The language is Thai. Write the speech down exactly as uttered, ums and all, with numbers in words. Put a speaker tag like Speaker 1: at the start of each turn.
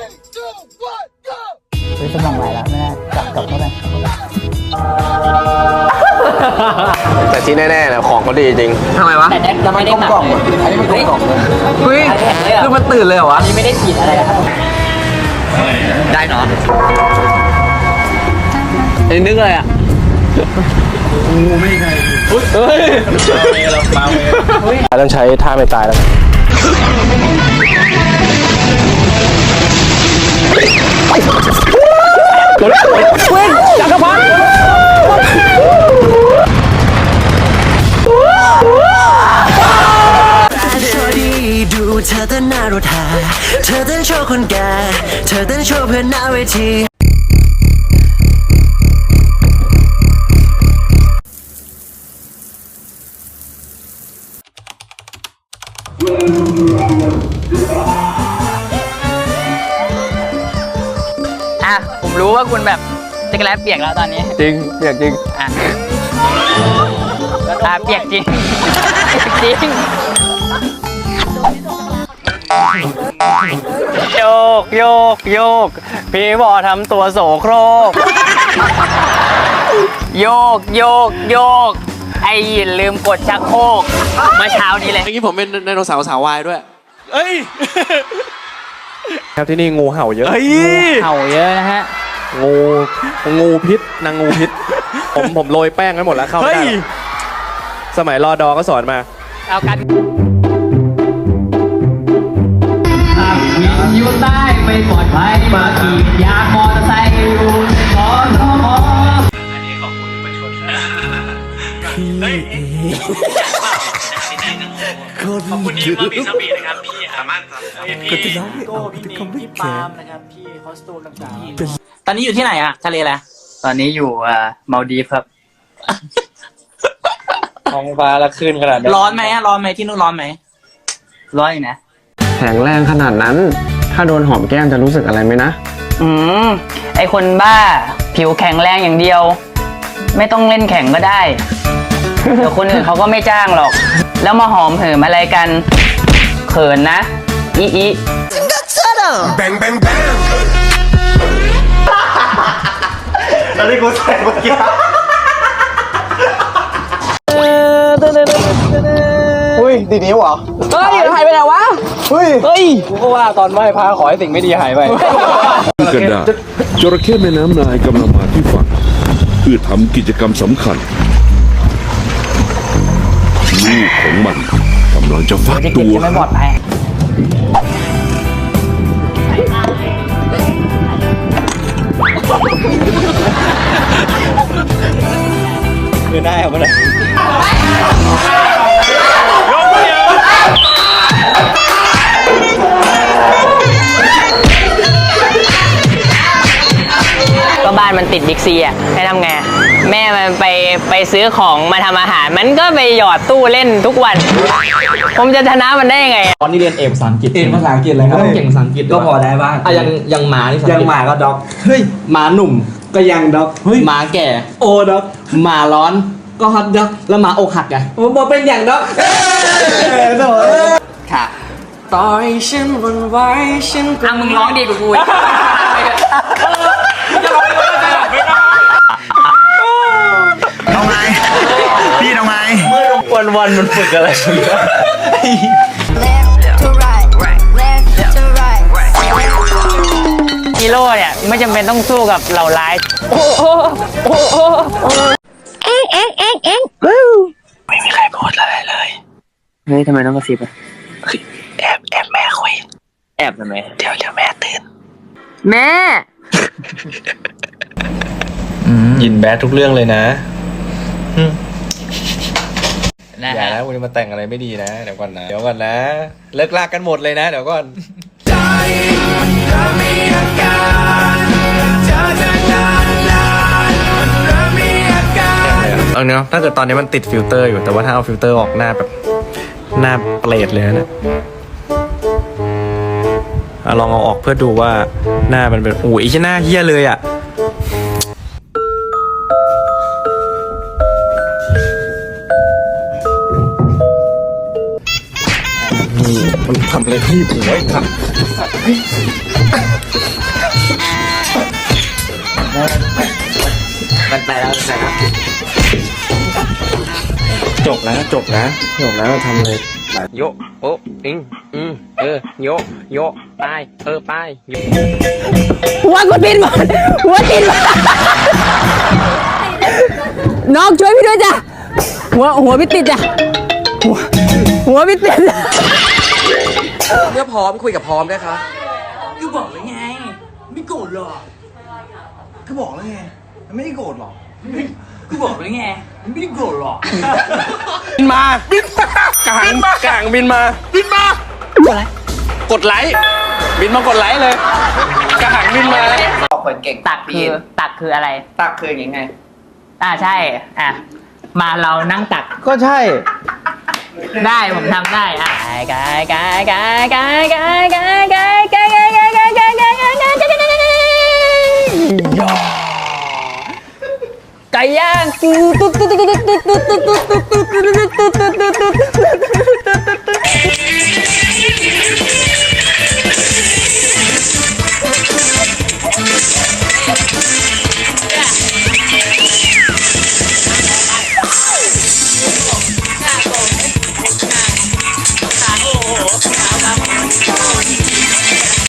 Speaker 1: เฮ้ยสมองไหลแล้วแม่กลับกลับเข้าไป
Speaker 2: แต่ที่แน่ๆนะของก็ดีจริงทำไมวะ
Speaker 1: แต่แน็กจะไม่ได้กล่องอันนี้มันกล่องเลย
Speaker 2: เฮ้ยคือมันตื่นเลยเหรอวะ
Speaker 1: อันนี้ไม่ได้ฉีดอะไรนะครับ
Speaker 2: ได้เนาะไอ้นึกอะไรอ่ะงูไม่ใช่เฮ้ยเฮ้ยเรามาเฮ้ยต้องใช้ท่าไม่ตายแล้วเว้ยจักรพรรดิ
Speaker 3: ดูเธอเต้นหน้ารถหาเธอเต้นโชว์คนแก่เธอเต้นโชว์เพื่อนหน้าเวที
Speaker 1: อ่ะผมรู้ว่าคุณแบบจักรแลเปียกแล้วตอนนี้
Speaker 2: จริงเปียกจริง
Speaker 1: อ่ะอ่ะเปียกจริงเปียกจริงโยกโยกโยกพี่บอทำตัวโสโครกโยกโยกโยกไอ้ยินลืมกดชักโครกเมื่อเช้านี้เลย
Speaker 4: เมื่อกี้ผมเป็นไดโนเสาร์สาววายด้วยเอ้ย
Speaker 2: ครับที่นี่งูเห่าเยอะ
Speaker 4: เฮ้ย
Speaker 1: เห่าเยอะนะฮะ
Speaker 2: งูงูพิษนางงูพิษ ผมผมโรยแป้งไว้หมดแล้วเข้าไม่
Speaker 4: เฮ้ย
Speaker 2: ได้หรอกสมัยรอดอก็สอนมา
Speaker 1: เอากันวิทยุใต้ไม่ปลอดภัยมาขี่ยางมอเตอร์ไซค์อยู่ขอขอขออันนี้ขอบคุณประชดขอบคุณที่มามีสปีดนะครับพี่สามารถพี่โก้พี่นิงพี่ปาล์มนะครับพี่คอสตูมต่างๆตอนนี้อยู่ที่ไหนอะทะเลอะไรตอนนี้อยู่อ่ามาลดีฟครับ
Speaker 2: ท้องฟ้าละขึ้นขนาดนี้
Speaker 1: ร้อนไหมอะร้อนไหมที่นู่นร้อนไหมร้อนอยู่นะ
Speaker 2: แข็งแรงขนาดนั้น ถ้าโดนหอมแก้มจะรู้สึกอะไรไหมนะ
Speaker 1: อืมไอคนบ้าผิวแข็งแรงอย่างเดียว ไม่ต้องเล่นแข่งก็ได้ เดี๋ยวคนอื่นเขาก็ไม่จ้างหรอก แล้วมาหอมเหิมอะไรกัน เขินนะอีอี
Speaker 3: Bang bang bang
Speaker 2: แล้วที่กูแสบเมื่อกี้อุ้ยดีนิ้วเหรอ
Speaker 1: เฮ้ยหายไปไหนวะ
Speaker 2: เฮ้ย
Speaker 1: เฮ้ย
Speaker 2: กูก็ว่าตอนไหว้พระขอให้สิ่งไม่ดีหายไป
Speaker 5: กระดาษจระเข้แม่น้ำนายกำลังมาที่ฝั่งเพื่อทำกิจกรรมสำคัญลูกของมันกำลังจะฟัก
Speaker 1: จะ
Speaker 5: ตั
Speaker 1: เก็บ
Speaker 5: ว
Speaker 1: จะไม่ปลอดภัย
Speaker 2: คือได้เอาไปเลย
Speaker 1: ก็บ้านมันติดบิ๊กซีอ่ะให้ทำไงแม่มันไปไปซื้อของมาทำอาหารมันก็ไปหยอดตู้เล่นทุกวัน ผมจะชนะมันได้ยังไง
Speaker 6: ตอนนี้เรียนเอกภาษาอังกฤษ
Speaker 4: เอกภาษาอังกฤษเลยครับ
Speaker 6: ต้องเก่งภาษาอังกฤษ
Speaker 4: ก็พอได้บ้าง
Speaker 6: อ่ะยังยังหมานี่
Speaker 4: ยังหมาก็ด็อก
Speaker 6: เฮ้ย
Speaker 4: หมาหนุ่มก็ยังด็อก
Speaker 6: เฮ้ย
Speaker 4: หมาแก่
Speaker 6: โอด็อก
Speaker 4: หมาร้อน
Speaker 6: ก็ฮอตด็อกแล้วหมาอกหักไง
Speaker 4: ผมบอกเป็นอย่างด็อกโถ่
Speaker 1: ค่ะ
Speaker 4: ต่อยฉันวันไว้ฉันก็
Speaker 1: อ่ะมึงร้องดีกว่ากูอีก
Speaker 3: เอาไงพี่เอาไง
Speaker 2: วันวันมันฝึกอะไร
Speaker 7: Left to right, left to right.
Speaker 1: ฮีโร่เนี่ยไม่จำเป็นต้องสู้กับเหล่าร้ายโอ้โหโอ้โหเอ็งเอ็งเอ็งเอ็งไม่มีใครพูดอะไรเลยเฮ้ยทำไมต้องกระซิบอ่ะแอบแอบแม่คุยแอบทำไมเดี๋ยวเดี๋ยวแม่ตื่นแม่
Speaker 2: ยินแบดทุกเรื่องเลยนะ
Speaker 1: นะ
Speaker 2: อย่า
Speaker 1: ฮะ
Speaker 2: นะคุณจะมาแต่งอะไรไม่ดีนะเดี๋ยวก่อนนะเดี๋ยวก่อนนะเลิกลากกันหมดเลยนะเดี๋ยวก่อนเอาเนาะถ้าเกิดตอนนี้มันติดฟิลเตอร์อยู่แต่ว่าถ้าเอาฟิลเตอร์ออกหน้าแบบหน้าเปรตเลยนะเนี่ยอ่ะลองเอาออกเพื่อดูว่าหน้ามันเป็นโอ้ยหน้าเฮี้ยเลยอ่ะมันทำอะไรที่ผมไว้ครับ
Speaker 6: มันไปแล้วไปแล้ว
Speaker 2: จบแล้วจบแล้วจบแล้วทำเลย
Speaker 1: โยโอ้อิงอืมเออโยโยไปเออไปโย
Speaker 8: หัวกูติดหมดหัวติดหมดน้องช่วยพี่ด้วยจ้ะหัวหัวพี่ติดจ้ะหัวหัวพี่ติด
Speaker 4: เมื่อพร้อมคุยกับพร้อมได้คะ
Speaker 6: ก็บอกแล้วไง ไม่โกรธหรอก
Speaker 4: ก็บอกแล้วไงมันไม่ได้โกรธหรอก
Speaker 6: ก็บอกแล้วไง ไม่ได้โกรธหรอก
Speaker 2: บินมาบินมากางกางบินมาบินมากดไลค์กดไลค์บินมากดไลค์เลยกางบินมา
Speaker 1: บอกคนเก่งตักคือตักคืออะไร ตักคือยังไงอ่าใช่อ่ะมาเรานั่งตัก
Speaker 2: ก็ใช่
Speaker 1: ได้ผมทำได้อ่ะกายกายกายกายกายกายกายกายกายกายกายกายกายกายกายไก่ย่างตุ๊ดตุ๊ดตุ๊ดตุ๊ดตุ๊ดตุ๊ดตุ๊ดตุ๊ดตุ๊ดตุ๊ดตุ๊ดตุ๊ด